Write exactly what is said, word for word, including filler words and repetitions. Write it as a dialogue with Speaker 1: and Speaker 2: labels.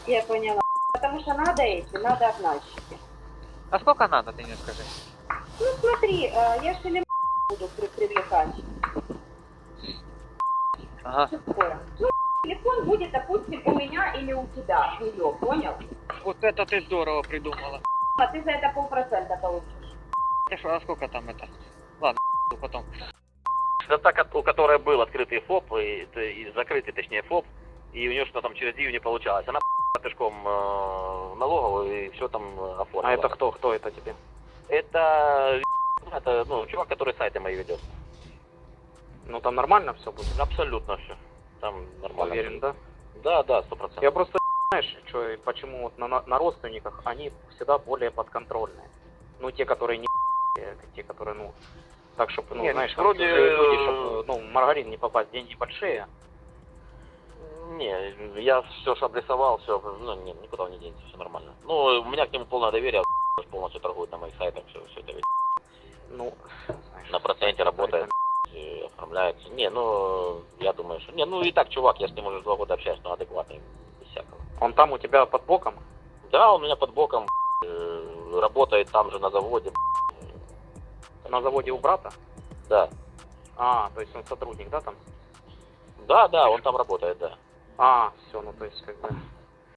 Speaker 1: Я поняла. Потому что надо эти, надо обнальщики.
Speaker 2: А сколько надо, ты мне скажи?
Speaker 1: Ну смотри, э, я же или буду при привлекать.
Speaker 2: Ага.
Speaker 1: Что такое? Ну, телефон будет, допустим, у меня или у тебя, ее, понял?
Speaker 2: Вот это ты здорово придумала.
Speaker 1: А ты за это полпроцента получишь.
Speaker 2: А сколько там это? Ладно, потом.
Speaker 3: Это та, у которой был открытый ФОП, и, и закрытый, точнее, ФОП, и у нее что там через Дию не получалось. Она пешком э, в налоговую и все там оформила.
Speaker 4: А это кто? Кто это тебе?
Speaker 3: Это, это ну, чувак, который сайты мои ведет.
Speaker 4: Ну там нормально все будет?
Speaker 3: Абсолютно все. Там нормально.
Speaker 4: Уверен, да?
Speaker 3: Да, да, сто процентов.
Speaker 4: Я просто, знаешь, что, почему вот на, на родственниках они всегда более подконтрольные. Ну, те, которые не те, которые, ну, так, чтобы, ну,
Speaker 3: Не,
Speaker 4: знаешь,
Speaker 3: вроде,
Speaker 4: люди, чтобы, ну, в маргарин не попасть, деньги большие.
Speaker 3: Не, я все же обрисовал, все, ну, не, никуда он не денется, все нормально. Ну, у меня к нему полное доверие, полностью торгует на моих сайтах, все, все это ведь.
Speaker 4: Ну, знаешь,
Speaker 3: На проценте работает, и оформляется. Не, ну, я думаю, что... Не, ну и так, чувак, я с ним уже два года общаюсь, но адекватный, без всякого.
Speaker 4: Он там у тебя под боком?
Speaker 3: Да, он у меня под боком, э, работает там же на заводе.
Speaker 4: На заводе у брата?
Speaker 3: Да.
Speaker 4: А, то есть он сотрудник, да, там?
Speaker 3: Да, да, он там работает, да.
Speaker 4: А, все, ну то есть как бы